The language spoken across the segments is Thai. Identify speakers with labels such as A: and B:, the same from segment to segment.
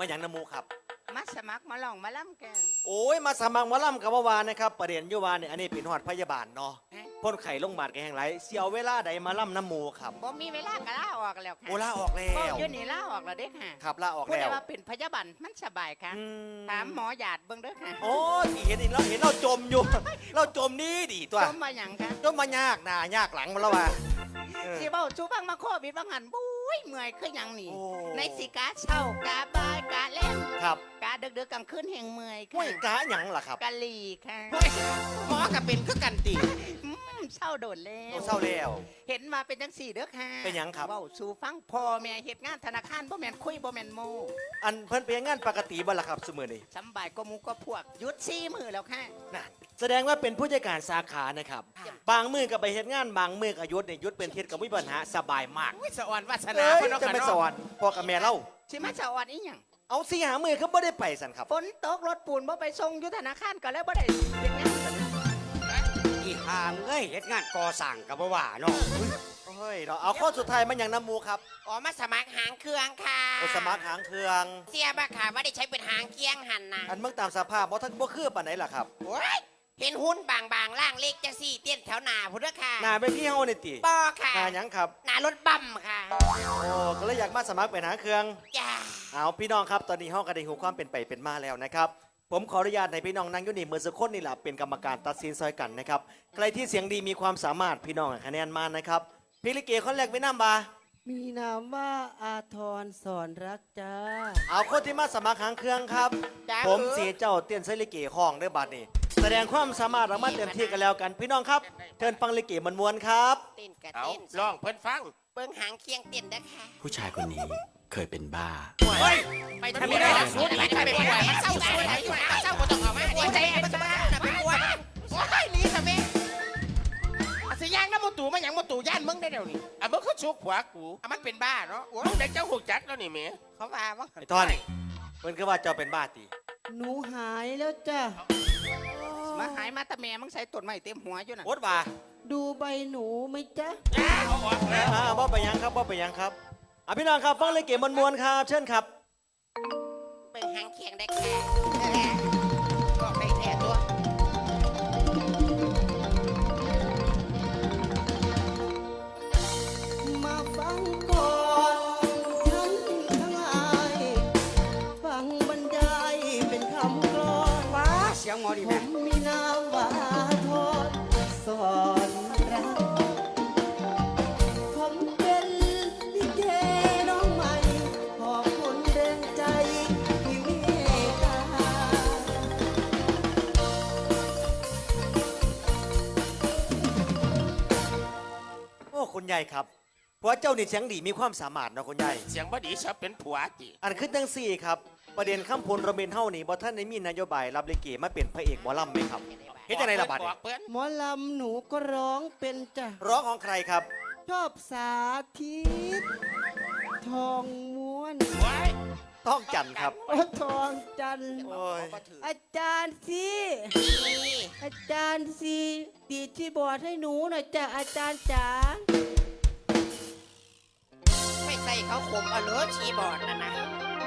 A: มาอย่างน้ำหมูครับ
B: มาสมัครมาลองมาล่ำแก
A: โอ้ยมาสมัครหมาล่ำกับว่าวานนะครับประเด็นอยุวานเนี่ยอันนี้เป็นหอดพยาบาลเนาะพ่นไข่ลงบาดแกแห่งไรเสียวเวลาใดมาล่ำน้ำหมูครับ
B: บ่มีเวลาก็ลาออกแล้วค่ะ
A: โอลาออกแล้
B: ก็
A: ว
B: อยู่นี่ลาออกแล้วเด้อค่ะ
A: ครับลาออก
B: พูด
A: แล้
B: ได้
A: ว
B: ว่าเป็นพยาบาลมันสบายค่ะถามหมอหยาดเบิ่งเด้อค่ะ
A: โอ้ยเห็นอีกแล้วเห็นเราจมอยู่ เราจมนี่ดีตัว
B: จมมาหยังค่ะ
A: จมมายากหน้ายากหลังมาแล้วว่ะ
B: สิเบ้าจูฟังมาโควิดบางหันบุ้ยเมื่อยคือหยังนี่
A: โอ้
B: ในสิกาเช้ากาบ่ายกาแล้ง
A: ครับ
B: กาดึกๆกลางคืนแห่งเมื่อย
A: ห้ว
B: ค่ะ
A: ยกะหยังล่ะครับ
B: กะหลีค่ะ
C: หมอก็เป็นคือกันติ
B: เศร้าโดดแล้
A: โอ้
B: ว
A: เศร้าแล้ว
B: เห็นมาเป็นจังสี่เด้อค่ะ
A: เป็นหยังครับ
B: เว้าสู่ฟังพ่อแม่เฮ็ดงานธนาคารบ่แม่นคุยบ่แม่นโม
A: อันเพิ่นเป็นงานปกติบ่ล่ะครับสมือนี้
B: สำบายก็มูก็พวกหยุด4มื้อแล้วค่ะ
A: น่ะแสดงว่าเป็นผู้จัดการสาขานะครับ บางมือก็ไปเฮ็ดงานบางมือก็หยุดเนี่ยหยุดเป็นเทศกับวิปัญหาสบายมาก
C: อุ้ยสะอ่อนวาสนา
A: เอ้ย
C: เพิ่นเนาะ
A: จะ
C: ค่ะ
A: ไป
C: เนาะ
A: สอนพ่อกับแม่เล่า
B: สิมาสะออดอีหยัง
A: เอาสี่หามือเขาบ่ได้ไปสันครับ
B: ฝนตกรถปูนบ่ไปส่งอยู่ธนาคารก็เลยบ่ได้เฮ็ดงานกัน
D: อีหามเอ้ยเฮ็ดงานก่อสร้างกับบ่ว่าเนาะ
A: โอ้ยเราเอาข้อสุดท้ายมันอย่างน้ำหมูครับ
C: อ๋อมาสมัครหางเครื่องค่ะ
A: โอสมัครหางเครื่อง
C: เสียบ่ค่ะว่าได้ใช้เป็นหางเคียงหันนะ
A: อันเมื่อตามสภาพบ่ทันบ่คือปานไหนล่ะครับ
C: โอ้ยเห็นหุ้นบางๆล่างเล็กจังซี่เต้นแถวหน้าพุ่นเด้อค่ะ
A: หน้าไปที่เฮานี่ติ
C: บ่ค่ะ
A: หน้าหยังครับ
C: หน้ารถบัมค่ะ
A: โอ้ก็เลยอยากมาสมัครเป็นหางเครื่อง
C: จ้า
A: เอาพี่น้องครับตอนนี้ห้องก็ได้หูความเป็นไปเป็นมาแล้วนะครับผมขออนุญาตในพี่น้องนั่งอยู่นี่เมื่อสักครู่นี่แหละเป็นกรรมการตัดสินซอยกันนะครับใครที่เสียงดีมีความสามารถพี่น้องให้คะแนนมานะครับพี่ลิเกคนแรกไม่น้ำบา
E: มีนามว่าอาทรสอนรักจ้า
A: เอาคนที่มาสมัครหางเครื่องครับ
C: จ้า
A: ผมเสียเจ้าเตี้ยนไซลิเกห้องด้วยบัดนี้แสดงความสามารถเรามาเต็มที่กันแล้วกัน พี่น้องครับเชิญฟังลิเกมันมวนๆครับ
C: เต้นกะ
F: เอา
C: เต้น
F: ลองเพิ่นฟัง
C: เบิ่งหางเคียงเต้นเด้อค่ะ
G: ผู้ชายคนนี้เคยเป็นบ้า
F: เฮ้ย
C: ไปทำไม่ได้ไปป่วยมันเศร้าสวยมันเศร้าบ่ต้องออกมาหัวใจมันจะมาเป็นป่วยโอ้ยนี่ซะแม่สิย่างน้ำมตู่มาหยังมตู่ย่านมึงได้เดี๋ยวนี้
F: อ่ะมึงคือชุกหัวกู
C: อ่ะมันเป็นบ้าเนาะ
F: มึงได้เจ้าหูจักแล้วนี่แหม่
C: เขาว่าว่า
A: ไอ้ท่อนเพิ่นก็ว่าเจ้าเป็นบ้าตี
E: หนูหายแล้วจ้า
B: มาหายมาแต่แม่มึงใส่ต้นไม้เต็มหัวอยู่น่ะ
A: โอ๊ตว่า
E: ดูใบหนูไหมจ๊ะ
F: เอาออกแล้ว
A: บ่ไปยังครับบ่ไปยังครับอ่ะพี่น้องครับฟังลิเกมันมวนๆครับเชิญครับ
C: เบิ่งหางเคียงได้แค่ก็ได้แค่ตัว
E: มาฟังก่อนท่านทั้งหลายฟังบรรยายเป็นคำกลอน
C: ว้าเสียงหมอดี
E: ผ
C: แม่
E: มมีนามว่าอาทรสอนรักผมเป็นลิเกน้องใหม่ขอบคุณแรงใจที่เมตตา
A: โอ้คุณยายครับเพราะว่าเจ้านี่เสียงดีมีความสามารถเนาะคุณยาย
F: เสียงบ่ดีชอบเป็นผัวจิ
A: อันขึ้นทั้งสี่ครับประเด็นข้ามพลระเบนเฮานี่บ่ท่านได้มีนโยบายรับลิเกมาเป็นพระเอกหมอลำไหมครับเฮ็ดจังไดล่ะบัด
F: บ
A: นี้
F: อกเพิ่น
E: หมอลำหนูก็ร้องเป็นจ้ะ
A: ร้องของใครครับ
E: ชอบสาธิต ทองม้วน
F: ไว้
A: ต้องจันทร์ครับ
E: โอ้ทองจันทร์
A: โอ้ย
E: อาจารย์สิอาจารย์สิดีดที่บอร์ดให้หนูหน่อยจ้ะอาจารย์จ๋า
C: ไม่ใส่เขาคมเอาเลิศชีบอร์ดนะนะ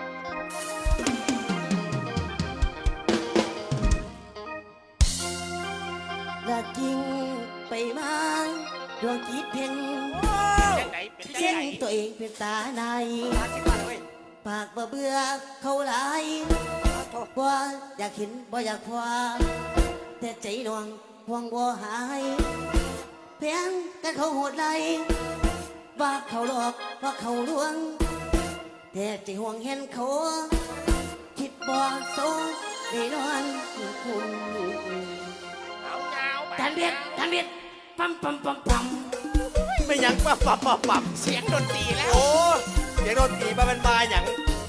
E: ละกิ่งไปมาดวงจิตเพ่ง
F: จังไหนเป็นจัง
E: เช่น
F: ไหน
E: ตัวเองเป็นตาใน ปากบ่เบื่อเขาหลายว่าอยากเห็นบ่อยากพอแต่ใจหน่วงห่วงบ่หายเพียงกันเขาโหดไล่ว่าเขาหลอกว่าเขาลวง แต่ใจห่วงเห็นเขาคิดบ่โซได้นอนคุณ
F: เอาเงาไป
E: ทันเบียดทันเบียดปั๊มปั๊มปั๊มปั๊ม
A: ไม่หยังปั๊บ
C: เสียงดนตรีแล้ว
A: โอ้เสียงโดนตีมาเป็นบาหยัง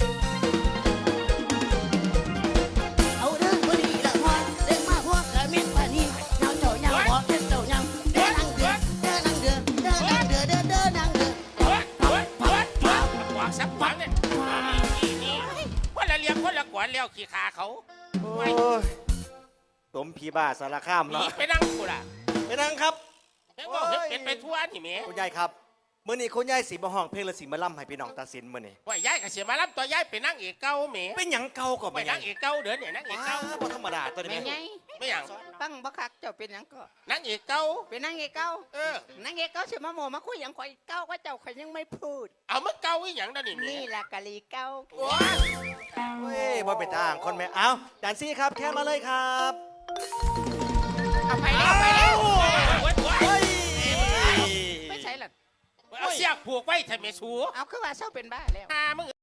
E: เอาเรื่องบ่ดีละพอเรื่องมาพวกกระมิดปานีเงาเจ้ายังบ่เด็ดเจ้ายังเดินนั่งเดือเดินนั่งเดือเดินนั่งเดือเดินเดินนั่งเดือ
F: เฮ้ยบอกสักฟังเนี่ยนี่คนละเลี้ยงคนละกวนแล้วขี้ขาเขา
A: โอ้ยสมพีบ้าสารคาม
F: หนี
A: เนาะ
F: ไปนั่งกูล่ะ
A: ไปนั่งครับ
F: เฮ้ยบอกเฮ็ดเป็นไปทั่วนี่แหม่
A: คุณยายครับมื่อนี้คุณยายสีมาห้องเพลงและสีมาล่ำให้พี่น้องตัดสินมื่อนี้
F: ว่าย้ายกับเสียมารับตัวยายเป็นนางเอกเก่าแหม
A: เป็นหยังเก่าก็
F: ไป
A: ไม่
F: นางเอกเก่าเด้อเนี่ยนางเอก
A: ว้า
F: เก่า
A: บ่ธรรมดาตัวนี้
B: แม่ไง
F: ไม่หยัง
B: ฟังบักคักเจ้าเป็นหยังก็
F: นางเอกเก่า
B: เป็นนางเอกเก้า
F: เออ
B: นางเอกเก้าเสียมาโมมาคุยหยังข่อยเก้าก็เจ้าข่อยยังไม่พูด
F: เอามึงเก่าอีหยังนั่นนี่แหม่
B: นี่ละกะลีเก้า
F: โอ้ย
A: เฮ้ยบ่เป็นทางคนแม่เอาจานซี่ครับแค่มาเลยครับ
C: เอาไปแล้วไปแล้ว
A: เฮ้ย
B: ไม่ใช่หรอก
F: เอาเสียกผูกไว้ทำไมสู
B: เอาคือว่าเศร้าเป็นบ้าแล้ว
F: หามึง